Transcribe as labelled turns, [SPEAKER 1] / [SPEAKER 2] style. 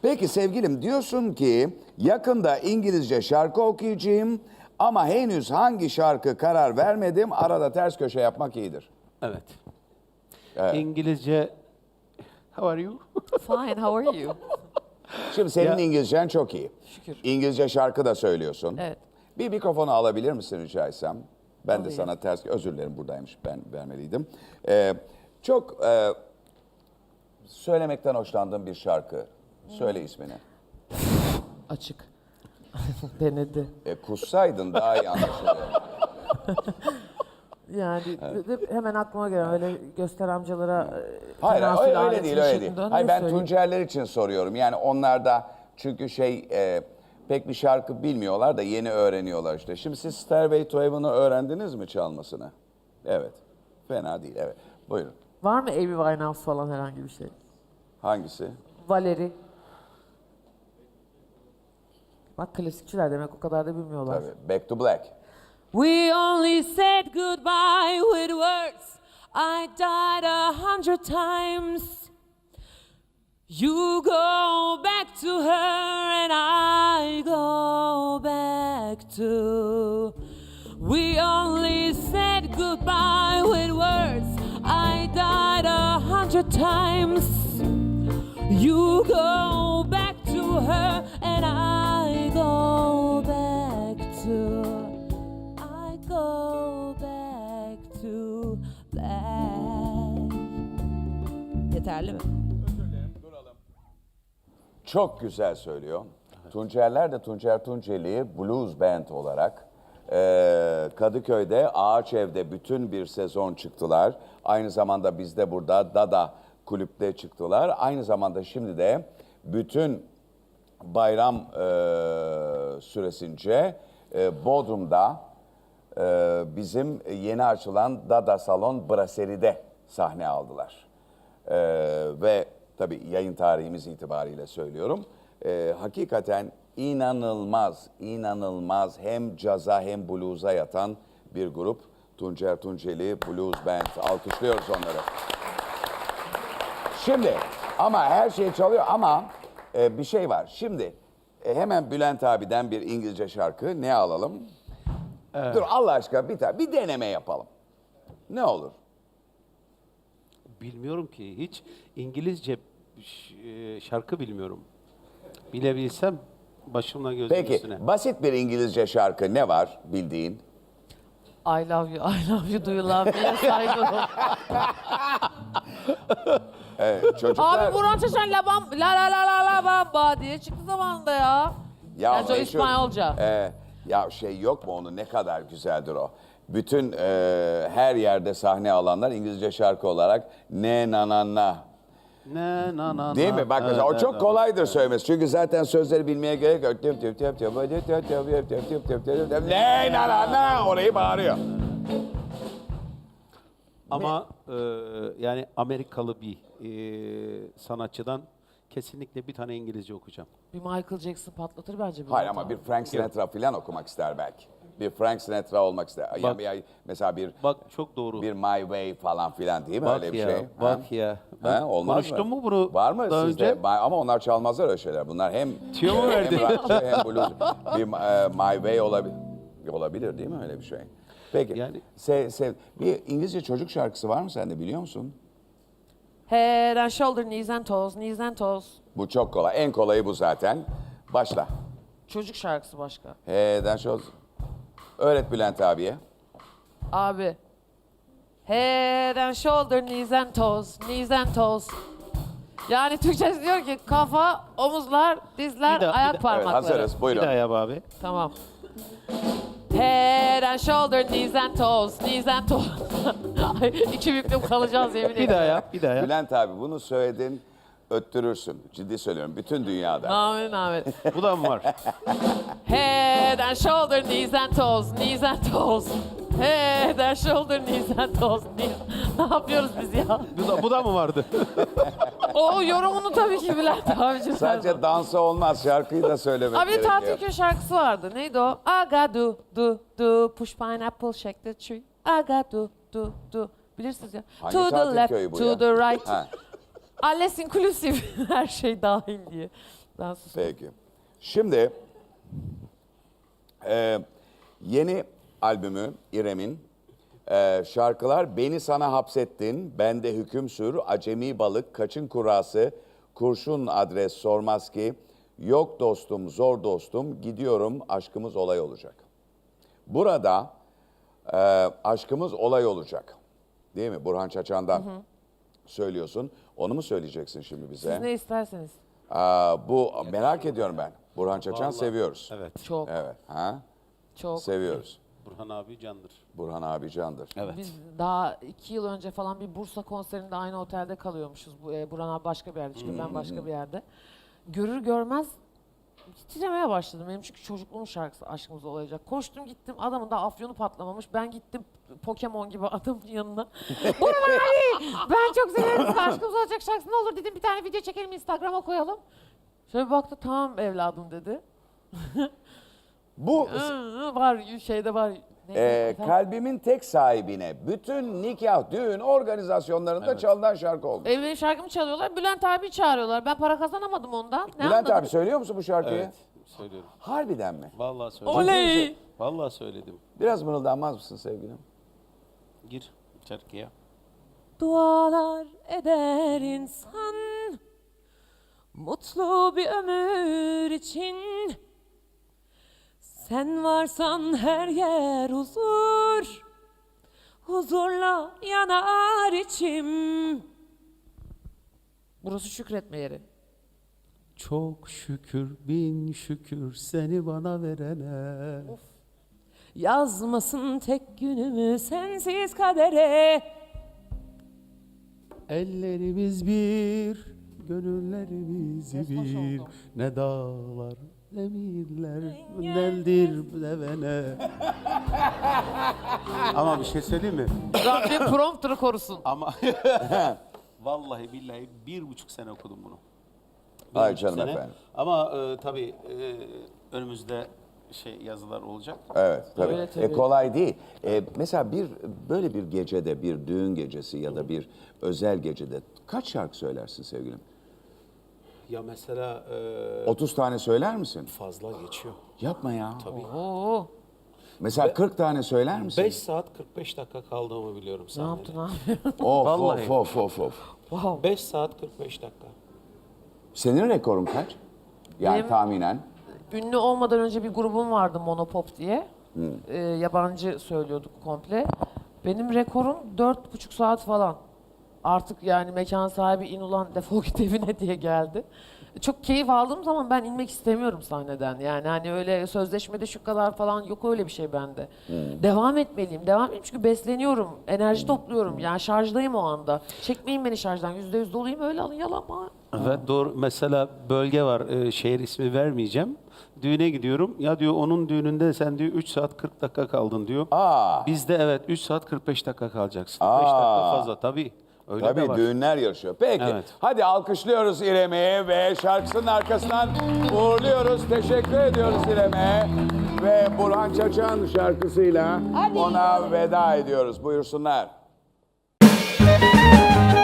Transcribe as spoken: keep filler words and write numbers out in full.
[SPEAKER 1] Peki sevgilim, diyorsun ki yakında İngilizce şarkı okuyacağım ama henüz hangi şarkı karar vermedim. Arada ters köşe yapmak iyidir.
[SPEAKER 2] Evet.
[SPEAKER 1] Evet.
[SPEAKER 2] İngilizce... How are you?
[SPEAKER 3] Fine, how are you?
[SPEAKER 1] Şimdi senin
[SPEAKER 2] Ya-
[SPEAKER 1] İngilizcen çok iyi.
[SPEAKER 3] Şükür.
[SPEAKER 1] İngilizce şarkı da söylüyorsun.
[SPEAKER 3] Evet.
[SPEAKER 1] Bir mikrofonu alabilir misin rica etsem? Ben de
[SPEAKER 3] Alayım.
[SPEAKER 1] sana ters... Özür dilerim, buradaymış, ben vermeliydim. Ee, çok e, söylemekten hoşlandığım bir şarkı. Söyle ismini.
[SPEAKER 3] Açık. Denedi.
[SPEAKER 1] E, kussaydın daha iyi anlaşılıyor.
[SPEAKER 4] Yani ve hemen aklıma gelen öyle göster amcalara e,
[SPEAKER 1] Hayır,
[SPEAKER 4] tenasül
[SPEAKER 1] öyle, öyle
[SPEAKER 4] aleti
[SPEAKER 1] değil, öyle değil.
[SPEAKER 4] şeklinde
[SPEAKER 1] Hayır,
[SPEAKER 4] ne
[SPEAKER 1] ben
[SPEAKER 4] söyleyeyim?
[SPEAKER 1] Tuncerler için soruyorum. Yani onlar da çünkü şey e, pek bir şarkı bilmiyorlar da yeni öğreniyorlar işte. Şimdi siz Stairway to Heaven'ı öğrendiniz mi çalmasını? Evet. Fena değil, evet. Buyurun.
[SPEAKER 4] Var mı Amy Winehouse falan herhangi bir şey?
[SPEAKER 1] Hangisi?
[SPEAKER 4] Valerie. Bak klasikçiler demek o kadar da bilmiyorlar.
[SPEAKER 1] Tabii. Back to Black.
[SPEAKER 3] We only said goodbye with words. I died a hundred times. You go back to her and I go back to. We only said goodbye with words. I died a hundred times. You go back to her and I go back to. I go back to black. Yeterli mi?
[SPEAKER 1] Çok güzel söylüyor. Tuncerler de Tuncer Tunceli Blues Band olarak eee, Kadıköy'de Ağaç Ev'de bütün bir sezon çıktılar. Aynı zamanda bizde burada Dada kulüpte çıktılar. Aynı zamanda şimdi de bütün bayram eee, süresince eee, Bodrum'da eee, bizim yeni açılan Dada Salon Brasserie'de sahne aldılar. Ee, ve tabii yayın tarihimiz itibariyle söylüyorum. Ee, hakikaten inanılmaz, inanılmaz hem caza hem blues'a yatan bir grup. Tuncer Tunceli Blues Band. Alkışlıyoruz onları. Şimdi ama her şey çalıyor ama e, bir şey var. Şimdi e, hemen Bülent abiden bir İngilizce şarkı ne alalım? Dur Allah aşkına bir tane bir deneme yapalım. Ne olur?
[SPEAKER 2] Bilmiyorum ki. Hiç İngilizce ş- e, şarkı bilmiyorum. Bilebilsem başımla gözüm
[SPEAKER 1] Peki
[SPEAKER 2] üstüne.
[SPEAKER 1] basit bir İngilizce şarkı ne var bildiğin?
[SPEAKER 4] I love you, I love you, do you love me? Saygı.
[SPEAKER 1] Evet, çocuklar...
[SPEAKER 4] Abi Burhan Çeşen la bam, la la la la la bamba diye çıktı zamanında ya.
[SPEAKER 1] ya
[SPEAKER 4] Gerçi o
[SPEAKER 1] meşhur-
[SPEAKER 4] İspanyolca.
[SPEAKER 1] e, ya şey yok mu onun ne kadar güzeldir o. Bütün e, her yerde sahne alanlar İngilizce şarkı olarak ne na na na.
[SPEAKER 2] Ne na na
[SPEAKER 1] Değil
[SPEAKER 2] na,
[SPEAKER 1] mi? Bak
[SPEAKER 2] na,
[SPEAKER 1] mesela o
[SPEAKER 2] na,
[SPEAKER 1] çok
[SPEAKER 2] na.
[SPEAKER 1] kolaydır söylemesi. Çünkü zaten sözleri bilmeye gerek yok. Tüp tüp tüp tüp tüp tüp tüp tüp tüp tüp tüp tüp tüp. Ne na na na orayı bağırıyor.
[SPEAKER 2] Ama e, yani Amerikalı bir e, sanatçıdan kesinlikle bir tane İngilizce okuyacağım.
[SPEAKER 4] Bir Michael Jackson patlatır bence.
[SPEAKER 1] Hayır
[SPEAKER 4] Bülent
[SPEAKER 1] ama
[SPEAKER 4] abi.
[SPEAKER 1] bir Frank Sinatra falan okumak ister belki. Bir Frank Sinatra olmak ister. Ya,
[SPEAKER 2] Bak-
[SPEAKER 1] ya, mesela bir
[SPEAKER 2] Bak çok doğru.
[SPEAKER 1] bir My Way falan filan değil mi
[SPEAKER 2] Bak
[SPEAKER 1] öyle bir
[SPEAKER 2] ya,
[SPEAKER 1] şey?
[SPEAKER 2] bak
[SPEAKER 1] Ha?
[SPEAKER 2] ya.
[SPEAKER 1] Ha,
[SPEAKER 2] Ben
[SPEAKER 1] olmaz
[SPEAKER 2] konuştum
[SPEAKER 1] mı?
[SPEAKER 2] mu bunu
[SPEAKER 1] Var mı
[SPEAKER 2] daha
[SPEAKER 1] sizde?
[SPEAKER 2] önce?
[SPEAKER 1] Ma- Ama onlar çalmazlar öyle şeyler. Bunlar hem
[SPEAKER 2] Tüyo mu
[SPEAKER 1] hem
[SPEAKER 2] verdi?
[SPEAKER 1] rockçı hem blues. Bir e, My Way olabilir. Olabilir değil mi öyle bir şey? Peki.
[SPEAKER 2] Yani-
[SPEAKER 1] Se- sev- bir İngilizce çocuk şarkısı var mı sende biliyor musun?
[SPEAKER 4] Head and shoulder, knees and toes, knees and toes.
[SPEAKER 1] Bu çok kolay. En kolayı bu zaten. Başla.
[SPEAKER 4] Çocuk şarkısı başka.
[SPEAKER 1] He'den şu. Öğret Bülent abiye.
[SPEAKER 4] Abi. Head and shoulder, knees and toes, knees and toes. Yani Türkçesi diyor ki kafa, omuzlar, dizler,
[SPEAKER 2] Bir daha, bir
[SPEAKER 4] ayak
[SPEAKER 2] daha.
[SPEAKER 1] Evet,
[SPEAKER 4] parmakları.
[SPEAKER 1] hazırız.
[SPEAKER 2] Bir
[SPEAKER 1] Buyurun.
[SPEAKER 2] daha yap abi.
[SPEAKER 4] Tamam. Head and shoulder, knees and toes, knees and toes. Ay, İki büklüm kalacağız yemin ederim.
[SPEAKER 2] Bir daha yap, bir daha yap.
[SPEAKER 1] Bülent abi bunu söyledin, öttürürsün. Ciddi söylüyorum. Bütün dünyada.
[SPEAKER 4] Amin amin.
[SPEAKER 2] Bu da mı var?
[SPEAKER 4] Head and shoulder, knees and toes, knees and toes. Head and shoulder, knees and toes, knees. Ne yapıyoruz biz ya?
[SPEAKER 2] Bu da, bu da mı vardı?
[SPEAKER 4] O yorumunu tabii ki Bülent abicim.
[SPEAKER 1] Sadece dansa olmaz. Şarkıyı da söylemek
[SPEAKER 4] Abi
[SPEAKER 1] gerekiyor.
[SPEAKER 4] Tatilköy şarkısı vardı. Neydi o? I got do do do push pineapple shake the tree. I got do do do. Bilirsiniz ya.
[SPEAKER 1] Hangi
[SPEAKER 4] to the
[SPEAKER 1] tatil
[SPEAKER 4] left,
[SPEAKER 1] köyü bu
[SPEAKER 4] to
[SPEAKER 1] ya?
[SPEAKER 4] the right.
[SPEAKER 1] Ha.
[SPEAKER 4] Alles inclusive. Her şey dahil diye. Ben sustum.
[SPEAKER 1] Peki. Şimdi e, yeni albümü İrem'in e, şarkılar Beni Sana Hapsettin, Bende Hüküm Sür, Acemi Balık, Kaçın Kurası, Kurşun Adres Sormaz Ki, Yok Dostum, Zor Dostum, Gidiyorum, Aşkımız Olay Olacak. Burada e, aşkımız olay olacak. Değil mi? Burhan Çaçan'dan söylüyorsun. Onu mu söyleyeceksin şimdi bize?
[SPEAKER 4] Siz ne isterseniz.
[SPEAKER 1] Aa, bu merak ediyorum ben. Burhan Çaçan
[SPEAKER 2] Vallahi-
[SPEAKER 1] seviyoruz.
[SPEAKER 2] Evet.
[SPEAKER 4] Çok,
[SPEAKER 1] Evet. Ha?
[SPEAKER 4] çok.
[SPEAKER 1] Seviyoruz.
[SPEAKER 2] Burhan abi candır.
[SPEAKER 1] Burhan abi candır.
[SPEAKER 2] Evet.
[SPEAKER 4] Biz daha iki yıl önce falan bir Bursa konserinde aynı otelde kalıyormuşuz. Bu, e, Burhan abi başka bir yerde çünkü ben başka bir yerde. Görür görmez titremeye başladım. Benim çünkü çocukluğum şarkısı Aşkımız Olacak. Koştum gittim, adamın da afyonu patlamamış. Ben gittim Pokemon gibi adamın yanına. Burhan abi ben çok severim sizi, Aşkımız Olacak şarkısı, ne olur dedim bir tane video çekelim Instagram'a koyalım. Şöyle bir baktı, tamam evladım dedi.
[SPEAKER 1] Bu
[SPEAKER 4] Hı, var şeyde var. Neydi?
[SPEAKER 1] e,
[SPEAKER 4] Efendim?
[SPEAKER 1] kalbimin tek sahibine bütün nikah, düğün organizasyonlarında çalınan şarkı oldu.
[SPEAKER 4] E, benim şarkımı çalıyorlar. Bülent abi çağırıyorlar. Ben para kazanamadım ondan. Ne
[SPEAKER 1] Bülent
[SPEAKER 4] anladım?
[SPEAKER 1] abi söylüyor musun bu şarkıyı?
[SPEAKER 2] Evet. Söylüyorum.
[SPEAKER 1] Harbiden mi?
[SPEAKER 2] Vallahi söyledim.
[SPEAKER 4] Oley!
[SPEAKER 2] Vallahi söyledim.
[SPEAKER 1] Biraz mırıldanmaz mısın sevgilim?
[SPEAKER 2] Gir şarkıya.
[SPEAKER 3] Dualar eder insan mutlu bir ömür için. Sen varsan her yer huzur, huzurla yanar içim.
[SPEAKER 4] Burası şükretme yeri.
[SPEAKER 2] Çok şükür bin şükür seni bana verene.
[SPEAKER 3] Yazmasın tek günümü sensiz kadere.
[SPEAKER 2] Ellerimiz bir, gönüllerimiz
[SPEAKER 4] Hoş
[SPEAKER 2] bir.
[SPEAKER 4] oldu.
[SPEAKER 2] Ne dağlar, ne mirler, neldir devene. Ama bir şey söyleyeyim mi?
[SPEAKER 4] Rabbim prompter'ı korusun.
[SPEAKER 2] Ama vallahi billahi bir buçuk sene okudum bunu. Bir
[SPEAKER 1] Ay
[SPEAKER 2] buçuk
[SPEAKER 1] canım
[SPEAKER 2] sene.
[SPEAKER 1] efendim.
[SPEAKER 2] Ama e, tabii e, önümüzde şey yazılar olacak.
[SPEAKER 1] Evet tabii.
[SPEAKER 4] Öyle tabii.
[SPEAKER 1] E, kolay değil. E, mesela bir böyle bir gecede, bir düğün gecesi ya da bir özel gecede kaç şarkı söylersin sevgilim?
[SPEAKER 2] Ya mesela e,
[SPEAKER 1] otuz tane söyler misin?
[SPEAKER 2] fazla geçiyor.
[SPEAKER 1] Yapma ya.
[SPEAKER 2] Tabii.
[SPEAKER 4] Oo,
[SPEAKER 1] Mesela kırk tane söyler misin?
[SPEAKER 2] beş saat kırk beş dakika kaldığımı biliyorum
[SPEAKER 4] ne
[SPEAKER 2] sahnede.
[SPEAKER 4] yaptın abi?
[SPEAKER 1] Of
[SPEAKER 2] Vallahi.
[SPEAKER 1] of of of of.
[SPEAKER 4] Wow.
[SPEAKER 2] beş saat kırk beş dakika.
[SPEAKER 1] Senin rekorun kaç? Yani
[SPEAKER 4] Benim-
[SPEAKER 1] tahminen.
[SPEAKER 4] Ünlü olmadan önce bir grubum vardı Monopop diye. Ee, yabancı söylüyorduk komple. Benim rekorum dört buçuk saat falan. Artık yani mekan sahibi in ulan defol git evine diye geldi. Çok keyif aldığım zaman ben inmek istemiyorum sahneden. Yani hani öyle sözleşmede şu kadar falan yok, öyle bir şey bende. Devam etmeliyim, devam edeyim çünkü besleniyorum, enerji topluyorum. Yani şarjdayım o anda. Çekmeyin beni şarjdan, yüzde yüz doluyum, öyle alın yalama.
[SPEAKER 2] Evet doğru. Mesela bölge var. e, şehir ismi vermeyeceğim. Düğüne gidiyorum. Ya diyor onun düğününde sen diyor üç saat kırk dakika kaldın diyor.
[SPEAKER 1] Aa,
[SPEAKER 2] Bizde evet üç saat kırk beş dakika kalacaksın.
[SPEAKER 1] Aa.
[SPEAKER 2] beş dakika fazla tabii. Öyle de
[SPEAKER 1] tabii
[SPEAKER 2] var.
[SPEAKER 1] düğünler yarışıyor. Peki
[SPEAKER 2] Evet.
[SPEAKER 1] hadi alkışlıyoruz İrem'i ve şarkısının arkasından uğurluyoruz. Teşekkür ediyoruz İrem'e. Ve Burhan Çaçan şarkısıyla ona veda ediyoruz. Buyursunlar.